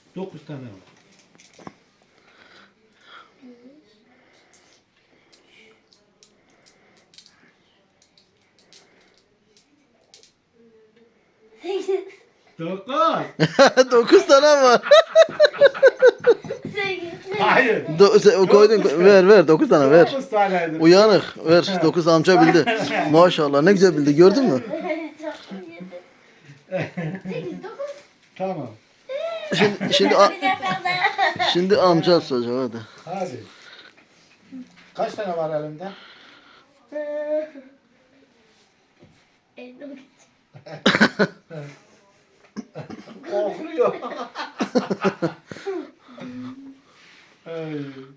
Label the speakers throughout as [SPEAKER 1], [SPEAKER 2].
[SPEAKER 1] 9 tane var.
[SPEAKER 2] Sekiz.
[SPEAKER 1] 9.
[SPEAKER 3] 9 tane var.
[SPEAKER 2] Sekiz.
[SPEAKER 1] Hayır.
[SPEAKER 3] O koydun ver 9 tane ver.
[SPEAKER 1] 9 taneydi.
[SPEAKER 3] Uyanık ver 9 amca bildi. Maşallah ne güzel bildi gördün mü?
[SPEAKER 2] Çok iyi. Sekiz, dokuz.
[SPEAKER 1] Tamam.
[SPEAKER 3] Şimdi amca soracak hadi.
[SPEAKER 1] Hadi. Kaç tane var elinde?
[SPEAKER 2] Elini
[SPEAKER 1] Korkuyor. Ay.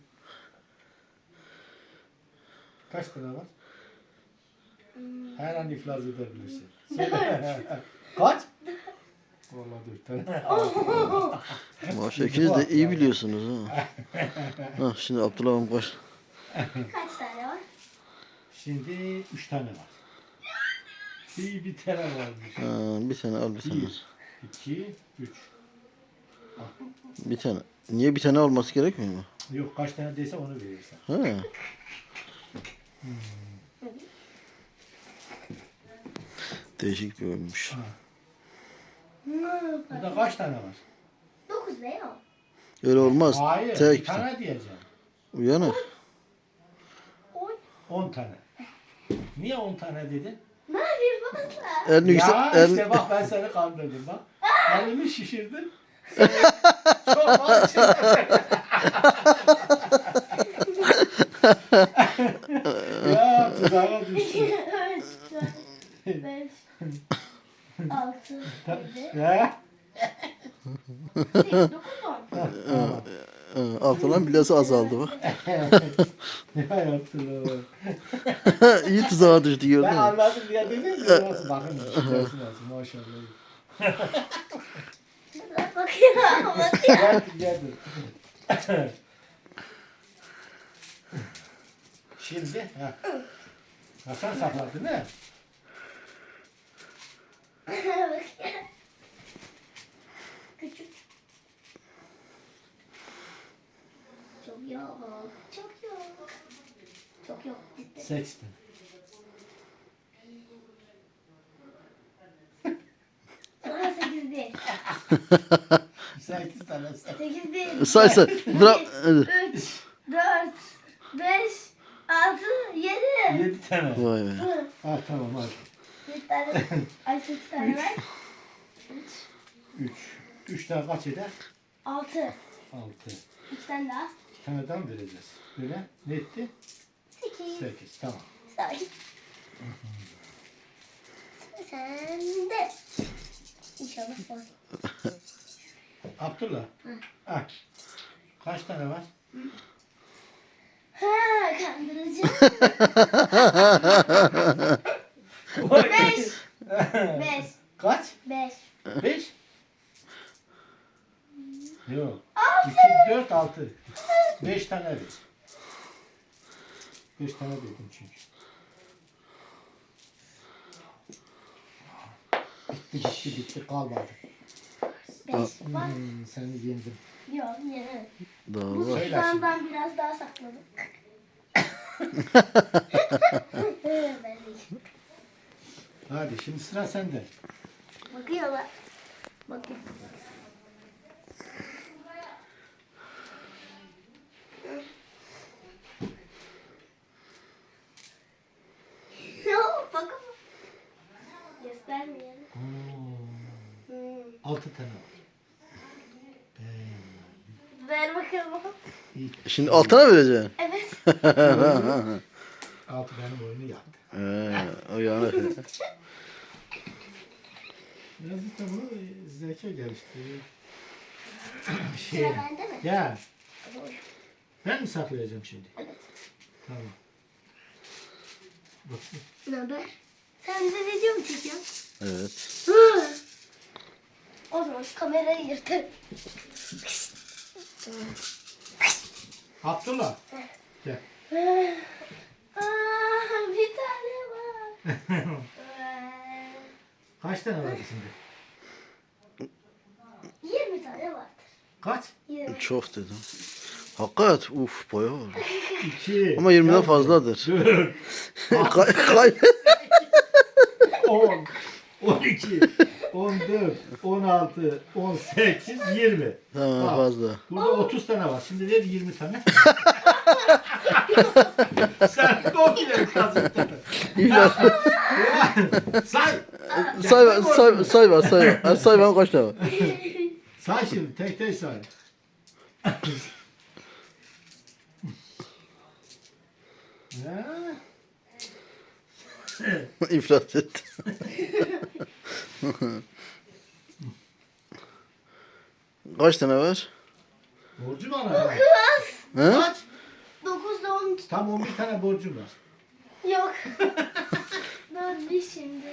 [SPEAKER 1] Kaç tane var? Her an iflas edebilirsin. Kaç? Vallahi 4 tane.
[SPEAKER 3] Maşallah ikiniz de iyi biliyorsunuz ha. Ha şimdi Abdullah amca koş.
[SPEAKER 2] Kaç tane var?
[SPEAKER 1] Şimdi 3 tane var. Bir tane varmış.
[SPEAKER 3] Ha, bir tane al bir tane.
[SPEAKER 1] 1, 2, 3.
[SPEAKER 3] Bir tane. Niye bir tane olması gerekmiyor mu?
[SPEAKER 1] Yok kaç tane değilse onu verirsen.
[SPEAKER 3] Ha. Değişik bir oyunmuş.
[SPEAKER 1] Burada kaç tane var?
[SPEAKER 2] Dokuz ne ya?
[SPEAKER 3] Öyle olmaz.
[SPEAKER 1] Hayır,
[SPEAKER 3] Tek
[SPEAKER 1] bir tane diyeceğim.
[SPEAKER 3] uyanık.
[SPEAKER 1] 10 tane. Niye 10 tane dedin?
[SPEAKER 2] Ne yapayım baba?
[SPEAKER 3] Elini yüksek.
[SPEAKER 1] Ya işte bak ben seni kandırdım bak. Elimi şişirdin. Çok var içinde. Ya tuzağa düştü.
[SPEAKER 2] Üç, dört, beş, altı, yedi,
[SPEAKER 1] Ya.
[SPEAKER 2] sekiz, dokuz, on.
[SPEAKER 3] Abdullah'ın bilası azaldı bak.
[SPEAKER 1] Ne yaptın?
[SPEAKER 3] İyi tuzağa düştü gördün
[SPEAKER 1] Ben
[SPEAKER 3] mü?
[SPEAKER 1] anladım diye dedim mi? Nasıl bakın şişesi nasıl maşallah.
[SPEAKER 2] Bakıyorum, bakıyorum.
[SPEAKER 1] Geldi. Şimdi Hasan sakladı ne?
[SPEAKER 2] Küçük. Çok yok. Çok yok. Çok yok. Bitti.
[SPEAKER 1] 80.
[SPEAKER 2] Sonra sekiz değil.
[SPEAKER 1] 8 tane.
[SPEAKER 2] Sekiz değil.
[SPEAKER 3] Say say. Bırak. Hadi.
[SPEAKER 2] Üç, dört, beş, altı, yedi.
[SPEAKER 1] 7 tane.
[SPEAKER 3] Vay be.
[SPEAKER 1] Ha tamam hadi.
[SPEAKER 2] Bir tane. Ay sekiz tane var. Üç,
[SPEAKER 1] 3. 3 tane kaç eder?
[SPEAKER 2] altı.
[SPEAKER 1] 6.
[SPEAKER 2] İki tane daha.
[SPEAKER 1] 2 tane daha mı vereceğiz? Böyle ne etti?
[SPEAKER 2] Sekiz.
[SPEAKER 1] 8. Tamam.
[SPEAKER 2] Sakin. Sen de. İnşallah sen.
[SPEAKER 1] Abdullah. Ha. Kaç tane var?
[SPEAKER 2] Ha, kandıracağım. Beş. Beş.
[SPEAKER 1] Kaç?
[SPEAKER 2] Beş.
[SPEAKER 1] 5? Yok.
[SPEAKER 2] 6.
[SPEAKER 1] 2, 4, 6. 5 tane ver. 5 tane dedim çünkü. Bitti kalmadı.
[SPEAKER 2] Beş. Var.
[SPEAKER 1] Seni yendim.
[SPEAKER 2] Yok yine.
[SPEAKER 3] Daha
[SPEAKER 2] Bu
[SPEAKER 3] var.
[SPEAKER 1] Söyle
[SPEAKER 2] susağından biraz daha sakladım. Ben de.
[SPEAKER 1] Hadi şimdi sıra sende.
[SPEAKER 2] Bakıyorlar. Bakın. Yok bakın. Göstermeyelim.
[SPEAKER 1] 6 tane var.
[SPEAKER 2] Ver bakalım.
[SPEAKER 3] Şimdi altına vereceksin.
[SPEAKER 2] Evet.
[SPEAKER 1] 6 benim oyunu yaptı.
[SPEAKER 3] Uyanık.
[SPEAKER 1] Biraz işte bunu zeka geliştiriyor.
[SPEAKER 2] Sıra bende mi?
[SPEAKER 1] Ya ben mi saklayacağım şimdi?
[SPEAKER 2] Evet.
[SPEAKER 1] Tamam. Bakın.
[SPEAKER 2] Ne haber? Sen de video mu çekiyorsun?
[SPEAKER 3] Evet.
[SPEAKER 2] O zaman şu kamerayı yırtır.
[SPEAKER 1] Abdullah. Gel.
[SPEAKER 2] Bir tane var.
[SPEAKER 1] Kaç tane var şimdi?
[SPEAKER 2] 20 tane vardır.
[SPEAKER 1] Kaç?
[SPEAKER 2] 20.
[SPEAKER 3] Çok dedim. Hakikat uf bayağı var.
[SPEAKER 1] 2.
[SPEAKER 3] Ama 20'den fazladır.
[SPEAKER 1] 4.
[SPEAKER 3] Kay
[SPEAKER 1] 10. 12. 14. 16. 18. 20.
[SPEAKER 3] Tamam
[SPEAKER 1] Bak,
[SPEAKER 3] fazla.
[SPEAKER 1] Burada 30 tane var. Şimdi ver 20 tane. Sen komple kazıktın.
[SPEAKER 3] İflas.
[SPEAKER 1] Say.
[SPEAKER 3] Say var. Say ben kaç tane var?
[SPEAKER 1] Say şimdi tek tek say. Ya.
[SPEAKER 3] İflas etti. Kaç tane var?
[SPEAKER 1] Borcu var abi.
[SPEAKER 3] He?
[SPEAKER 1] Kaç?
[SPEAKER 2] 9 da 10.
[SPEAKER 1] Tam 11 tane borcum var.
[SPEAKER 2] Yok. 4 şimdi.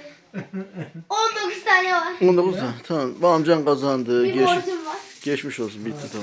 [SPEAKER 2] 19 tane var.
[SPEAKER 3] 19 tane. Tamam. Bu amcan kazandı.
[SPEAKER 2] Bir borcum var.
[SPEAKER 3] Geçmiş olsun. Bitti tamam.